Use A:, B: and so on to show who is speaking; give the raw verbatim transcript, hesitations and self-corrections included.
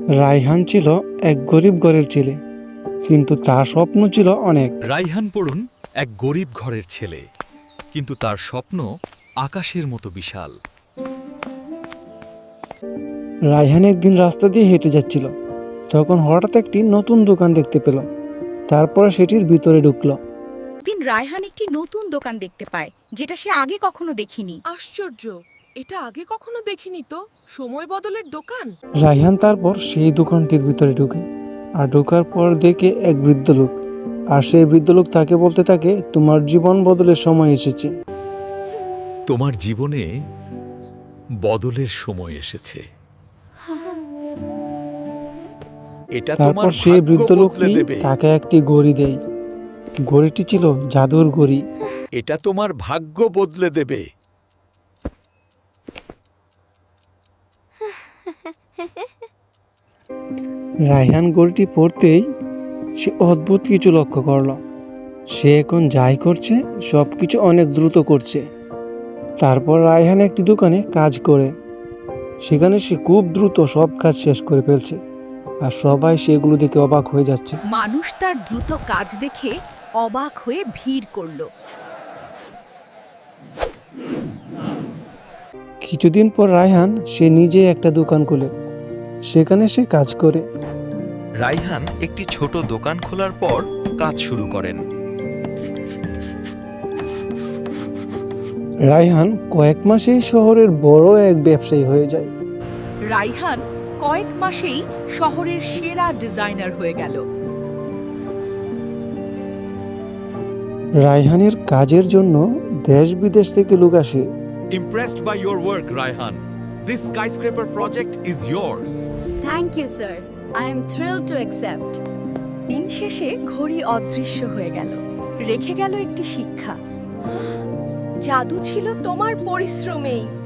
A: রায়হান ছিল এক গরিব ঘরের ছেলে, কিন্তু তার স্বপ্ন ছিল অনেক।
B: রায়হান পড়ুন এক গরিব ঘরের ছেলে, কিন্তু তার স্বপ্ন আকাশের মতো বিশাল।
A: রায়হান একদিন রাস্তা দিয়ে হেঁটে যাচ্ছিল, তখন হঠাৎ একটি নতুন দোকান দেখতে পেল। তারপরে সেটির ভিতরে ঢুকলো।
C: দিন রায়হান একটি নতুন দোকান দেখতে পায়, যেটা সে আগে কখনো দেখিনি।
D: আশ্চর্য, এটা আগে কখনো দেখিনি তো। সময় বদলের দোকান।
A: রায়হান তারপর সেই দোকানটির ভিতরে ঢুকে, আর ঢোকার পর দেখে এক বৃদ্ধ লোক, আর সেই বৃদ্ধ লোক তাকে বলতে থাকে, তোমার জীবন বদলের সময় এসেছে।
B: তোমার জীবনে বদলের সময় এসেছে। এটা
A: তারপর
B: তোমার
A: সেই
B: ভাগ্য
A: বৃদ্ধ
B: বদলে
A: লোকটি
B: দেবে।
A: তাকে একটি ঘড়ি দেয়। ঘড়িটি ছিল জাদুর ঘড়ি।
B: এটা তোমার ভাগ্য বদলে দেবে।
A: রায়হান ঘড়িটি পড়তেই সে অদ্ভুত কিছু লক্ষ্য করলো। সে এখন যাই করছে সব কিছু অনেক দ্রুত করছে। তারপর রায়হান একটি দোকানে কাজ করে, সেখানে সে খুব দ্রুত সব কাজ শেষ করে ফেলছে, আর সবাই সেগুলো দেখে অবাক হয়ে যাচ্ছে।
C: মানুষ তার দ্রুত কাজ দেখে অবাক হয়ে ভিড় করলো।
A: কিছুদিন পর রায়হান সে নিজে একটা দোকান খুলে, সেখানে সে কাজ করে।
B: রায়হান একটি ছোট দোকান খোলার পর কাজ শুরু করেন।
A: রায়হান কয়েক মাসেই শহরের বড় এক ব্যবসায়ী হয়ে যায়।
C: রায়হান কয়েক মাসেই শহরের সেরা ডিজাইনার হয়ে গেল।
A: রায়হানের কাজের জন্য দেশ বিদেশ থেকে লোক আসে।
B: Impressed by your work, Raihan. This skyscraper project is yours.
E: Thank you, sir. I am thrilled to accept.
C: দিন শেষে ঘড়ি অদৃশ্য হয়ে গেল, রেখে গেল একটি শিক্ষা। জাদু ছিল তোমার পরিশ্রমেই।